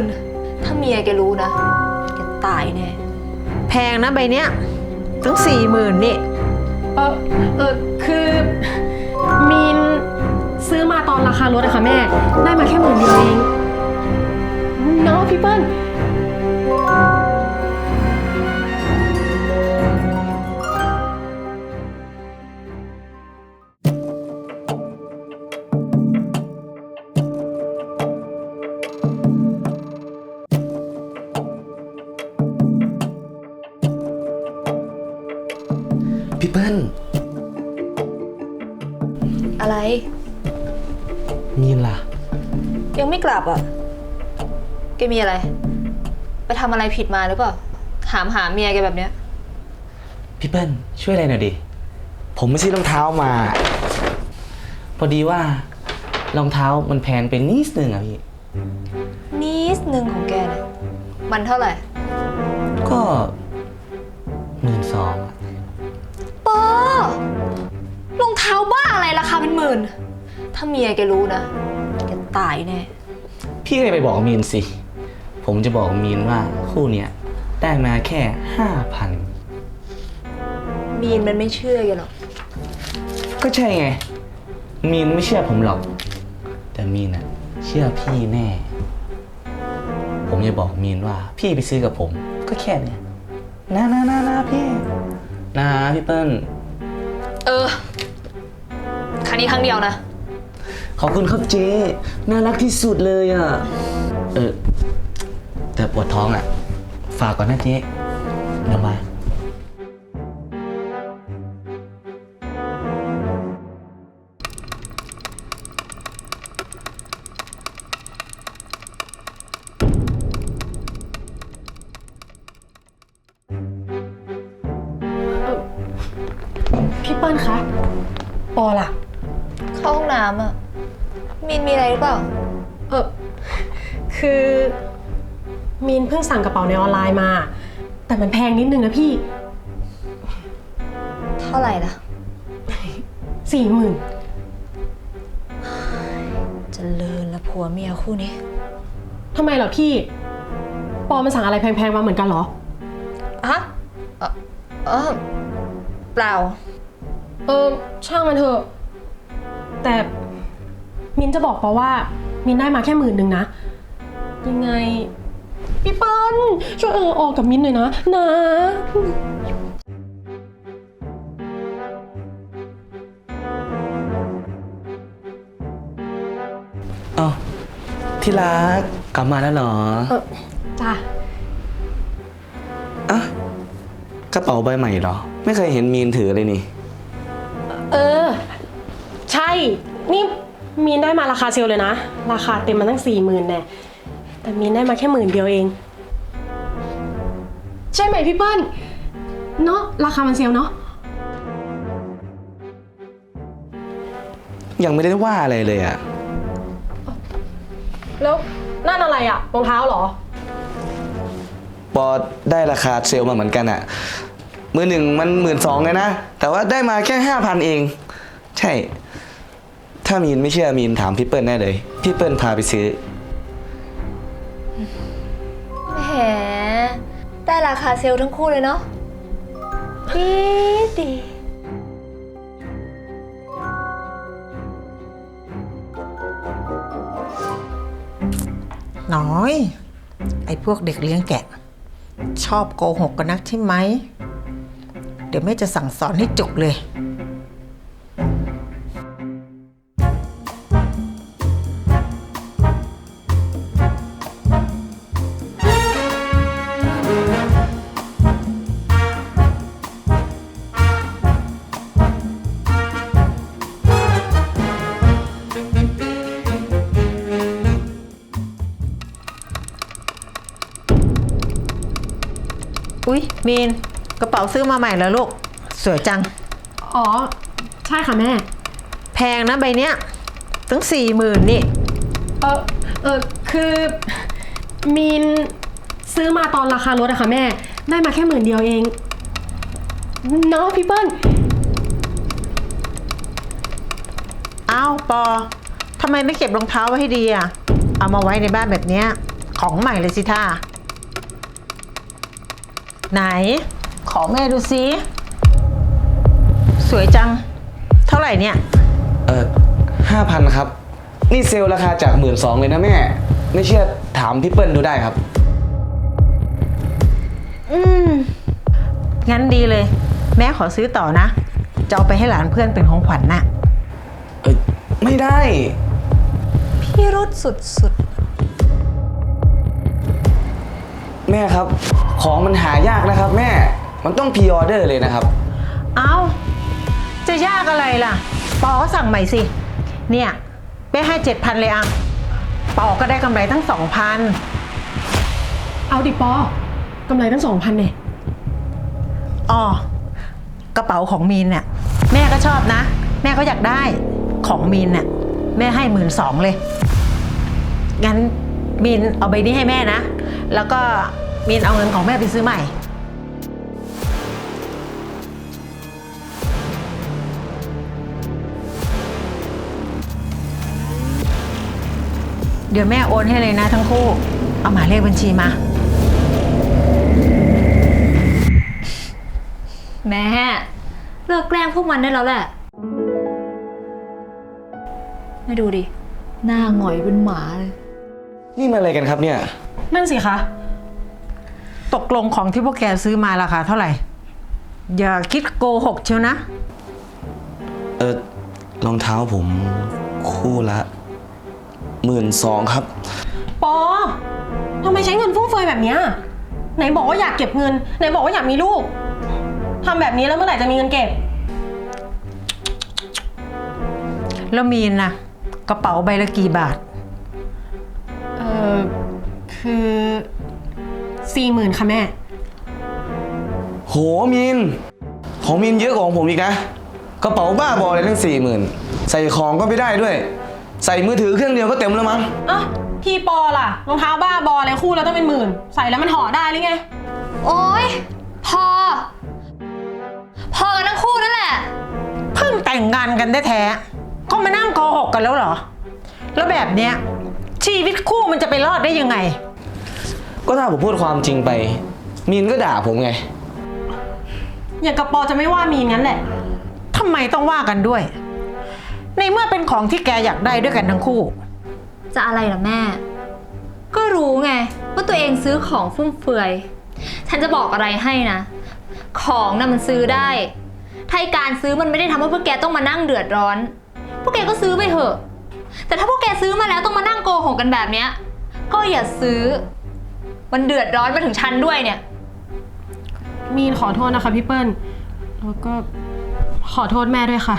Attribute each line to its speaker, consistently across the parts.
Speaker 1: น ถ้าเมียแกรู้นะแกตายแน่
Speaker 2: แพงนะใบเนี้ยถึง40,000นี่
Speaker 3: คือมีนซื้อมาตอนราคารถอะค่ะแม่ได้มาแค่10,000 เดียวเองเนาะพี่เปิ้ล
Speaker 4: พี่เปิ้ล
Speaker 1: อะไร
Speaker 4: มีนล่ะ
Speaker 1: ยังไม่กลับอ่ะแกมีอะไรไปทำอะไรผิดมาหรือเปล่าถามหาเมียแกแบบเนี้ย
Speaker 4: พี่เปิ้ลช่วยอะไรหน่อยดิผมไม่ซื้อรองเท้ามาพอดีว่ารองเท้ามันแพงไปนิดนึงอะพี่
Speaker 1: นิดนึงของแกเนี่ยมันเท่าไหร่
Speaker 4: ก็12,000อะ
Speaker 1: ปอรองเท้าบ้าอะไรราคาเป็น10,000ถ้าเมียแกรู้นะแกตายแน่
Speaker 4: พี่ก็ไปบอกมีนสิผมจะบอกมีนว่าคู่เนี้ยได้มาแค่ 5,000
Speaker 1: มีนมันไม่เชื่อแกหรอก
Speaker 4: ก็ใช่ไงมีนไม่เชื่อผมหรอกแต่มีนน่ะเชื่อพี่แน่ผมจะบอกมีนว่าพี่ไปซื้อกับผมก็แค่เนี้ยนะพี่นะพี่เปิ้ล
Speaker 1: ครั้งนี้ครั้งเดียวนะ
Speaker 4: ขอบคุณครับเจ๊น่ารักที่สุดเลยอ่ะแต่ปวดท้องอ่ะฝากก่อนนะเจ๊เดี๋ยวมา
Speaker 3: พี่เปิ้ลคะปอล่ะ
Speaker 1: เข้าห้องน้ำอ่ะมีนมีอะไรหรือเปล่า
Speaker 3: คือมีนเพิ่งสั่งกระเป๋าในออนไลน์มาแต่มันแพงนิดนึงนะพี่
Speaker 1: เท่าไหร่ล่ะ
Speaker 3: 40,000
Speaker 1: เจริญละผัวเมียคู่นี้
Speaker 3: ทำไมเหรอพี่ปอมันสั่งอะไรแพงๆมาเหมือนกันเหรอ
Speaker 1: ฮะเปล่า
Speaker 3: ช่างมันเถอะแต่มินจะบอกปอว่ามินได้มาแค่10,000นะยังไงพี่เปิ้ลช่วยออกกับมินหน่อยนะ
Speaker 4: อ้าวที่รักกลับมาแล้วเหรอ
Speaker 3: จ้ะ
Speaker 4: กระเป๋าใบใหม่เหรอไม่เคยเห็นมีนถือเลยนี่
Speaker 3: ใช่นี่มีนได้มาราคาเซลเลยนะราคาเต็มมาตั้ง40,000แน่แต่มีนได้มาแค่10,000 เดียวเองใช่ไหมพี่เปิ้ลเนาะราคามันเซลเนาะ
Speaker 4: ยังไม่ได้ว่าอะไรเลยอะ
Speaker 3: แล้วนั่นอะไรอะรองเท้าเหรอ
Speaker 4: ปอได้ราคาเซลมาเหมือนกันอะมือหนึ่งมัน12,000เลยนะแต่ว่าได้มาแค่5,000เองใช่ถ้ามีนไม่เชื่อมีนถามพี่เปิ้ลได้เลยพี่เปิ้ลพาไปซื้อ
Speaker 1: แหมได้ราคาเซลล์ทั้งคู่เลยเนาะดี
Speaker 2: น้อยไอ้พวกเด็กเลี้ยงแกะชอบโกหกกันนักใช่ไหมเดี๋ยวแม่จะสั่งสอนให้จุกเลยอุ๊ยมีนกระเป๋าซื้อมาใหม่แล้วลูกสวยจัง
Speaker 3: อ๋อใช่ค่ะแม่
Speaker 2: แพงนะใบเนี้ยถึง40,000นี่
Speaker 3: คือมีนซื้อมาตอนราคารถอะค่ะแม่ได้มาแค่10,000 เดียวเองเนาะพี่เปิ้ล
Speaker 2: อ้าวปอทำไมไม่เก็บรองเท้าไว้ให้ดีอะเอามาไว้ในบ้านแบบเนี้ยของใหม่เลยสิท่าไหน ขอแม่ดูสิสวยจัง เท่าไหร่เนี่ย
Speaker 4: 5,000ครับ นี่เซลล์ราคาจาก12,000เลยนะแม่ ไม่เชื่อถามพี่เปิ้ลดูได้ครับ
Speaker 2: งั้นดีเลย แม่ขอซื้อต่อนะ จะเอาไปให้หลานเพื่อนเป็นของขวัญน่ะ
Speaker 4: ไม่ได้
Speaker 1: พี่รุดสุด
Speaker 4: แม่ครับ ของมันหายากนะครับ แม่ มันต้องพรีออเดอร์เลยนะครับ
Speaker 2: เอาจะยากอะไรล่ะ ปอก็สั่งใหม่สิ เนี่ยแม่ให้7,000เลยอ่ะปอก็ได้กำไรทั้ง 2,000
Speaker 3: เอาดิปอกำไรตั้ง 2,000เนี่ย
Speaker 2: อ๋อกระเป๋าของมีนเนี่ยแม่ก็ชอบนะ แม่ก็อยากได้ของมีนเนี่ยแม่ให้12,000เลยงั้นมีนเอาใบนี้ให้แม่นะ แล้วก็มีนเอาเงินของแม่ไปซื้อใหม่เดี๋ยวแม่โอนให้เลยนะทั้งคู่เอาหมายเลขบัญชีมา
Speaker 1: ๆ แม่เลิกแกล้งพวกมันได้แล้วแหละไม่ดูดิ หน้าหงอยเป็นหมาเลย
Speaker 4: นี่มันอะไรกันครับเนี่ย
Speaker 3: นั่นสิคะ
Speaker 2: ตกลงของที่พวกแกซื้อมาราคาเท่าไหร่ อย่าคิดโกหกเชียวนะ
Speaker 4: รองเท้าผมคู่ละ12,000ครับ
Speaker 3: ปอทำไมใช้เงินฟุ่มเฟือยแบบเนี้ยไหนบอกว่าอยากเก็บเงิน ไหนบอกว่าอยากมีลูกทำแบบนี้แล้วเมื่อไหร่จะมีเงินเก็บ
Speaker 2: แล้วมีนนะกระเป๋าใบละกี่บาท
Speaker 3: คือ40,000ค่ะแม่
Speaker 4: โหมินของมินเยอะกว่าของผมอีกนะ กระเป๋าบ้าบอเลยทั้ง40,000ใส่ของก็ไม่ได้ด้วย ใส่มือถือเครื่องเดียวก็เต็มแล้วมั้ง
Speaker 3: อ่ะพี่ปอล่ะรองเท้าบ้าบออะไรคู่แล้วต้องเป็นหมื่น ใส่แล้วมันห่อได้หรือไง
Speaker 1: โอ๊ยพอกันทั้งคู่นั่นแหละ
Speaker 2: เพิ่งแต่งงานกันแท้ๆก็มานั่งโกหกกันแล้วเหรอ แล้วแบบเนี้ยชีวิตคู่มันจะไปรอดได้ยังไง
Speaker 4: ก็ถ้าผมพูดความจริงไป มินก็ด่าผมไง
Speaker 3: อย่างกับปอจะไม่ว่ามีงั้นแหละ
Speaker 2: ทำไมต้องว่ากันด้วย ในเมื่อเป็นของที่แกอยากได้ด้วยกันทั้งคู่
Speaker 1: จะอะไรล่ะแม่ ก็รู้ไงว่าตัวเองซื้อของฟุ่มเฟือย ฉันจะบอกอะไรให้นะ ของน่ะมันซื้อได้ ถ้าการซื้อมันไม่ได้ทำให้พวกแกต้องมานั่งเดือดร้อน พวกแกก็ซื้อไปเถอะ แต่ถ้าพวกแกซื้อมาแล้วต้องมานั่งโกหกกันแบบเนี้ย ก็อย่าซื้อ มันเดือดร้อนมาถึงฉันด้วยเนี่ย
Speaker 3: มีนขอโทษนะคะพี่เปิ้ล แล้วก็ขอโทษแม่ด้วยค่ะ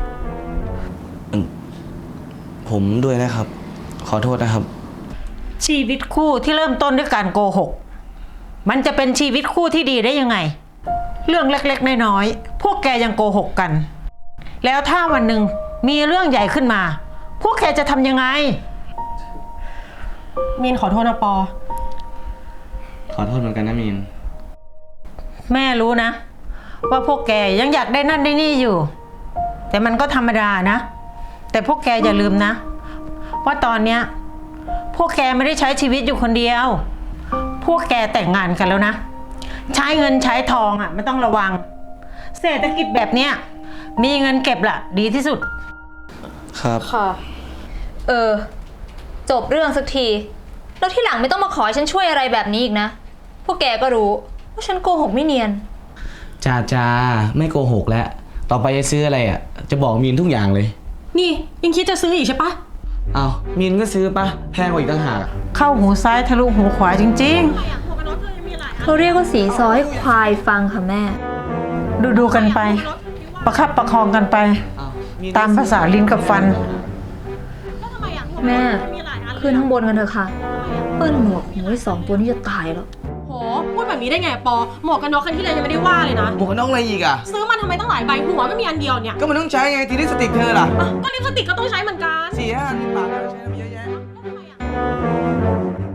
Speaker 4: ผมด้วยนะครับ ขอโทษนะครับ
Speaker 2: ชีวิตคู่ที่เริ่มต้นด้วยการโกหก มันจะเป็นชีวิตคู่ที่ดีได้ยังไง เรื่องเล็กๆน้อยๆพวกแกยังโกหกกัน แล้วถ้าวันหนึ่งมีเรื่องใหญ่ขึ้นมา พวกแกจะทำยังไง
Speaker 3: มีนขอโทษนะปอ
Speaker 4: ขอโทษเหมือนกันนะมิน
Speaker 2: แม่รู้นะ ว่าพวกแกยังอยากได้นั่นได้นี่อยู่ แต่มันก็ธรรมดานะ แต่พวกแกอย่าลืมนะว่าตอนเนี้ยพวกแกไม่ได้ใช้ชีวิตอยู่คนเดียว พวกแกแต่งงานกันแล้วนะ ใช้เงินใช้ทองอ่ะไม่ต้องระวัง เศรษฐกิจแบบเนี้ยมีเงินเก็บล่ะดีที่สุด
Speaker 4: ครับ
Speaker 3: ค่ะ
Speaker 1: จบเรื่องสักที แล้วที่หลังไม่ต้องมาขอให้ฉันช่วยอะไรแบบนี้อีกนะ พวกแกก็รู้ว่าฉันโกหกไม่เนียน
Speaker 4: จ้าไม่โกหกแล้ว ต่อไปจะซื้ออะไรอ่ะ จะบอกมินทุกอย่างเลย
Speaker 3: นี่ยังคิดจะซื้ออีกใช่ปะ
Speaker 4: เอามินก็ซื้อปะแพงกว่าอีกต่างหาก
Speaker 2: เข้าหูซ้ายทะลุหูขวาจริง
Speaker 1: เขาเรียกว่าสีซอให้ควายฟังค่ะแม่
Speaker 2: ๆ ดูกันไป ประคับประคองกันไป ตามภาษาลิ้นกับฟัน
Speaker 1: แม่ขึ้นข้างบนกันเถอะค่ะ เปิ้ลหมวกหูไอ้2 ตัวนี้จะตายแล้ว
Speaker 3: โห พูดแบบนี้ได้ไงปอ หมวกกันน็อกคันที่เลยยังไม่ได้ว่าเลยนะ
Speaker 4: หมวกกันน็อกอะไรอีกอ่ะ
Speaker 3: ซื้อมันทำไมตั้งหลายใบหัวไม่มีอันเดียวเนี่ย
Speaker 4: ก็มันต้องใช้ไงทีลิปสติกเธอล่ะ
Speaker 3: อ่ะก็ลิปสติกก็ต้องใช้เหมือนกัน
Speaker 4: 4-5 10 บาทแล้วใช้น้ำเยอะแยะ
Speaker 3: แล้วทำไมอ่ะ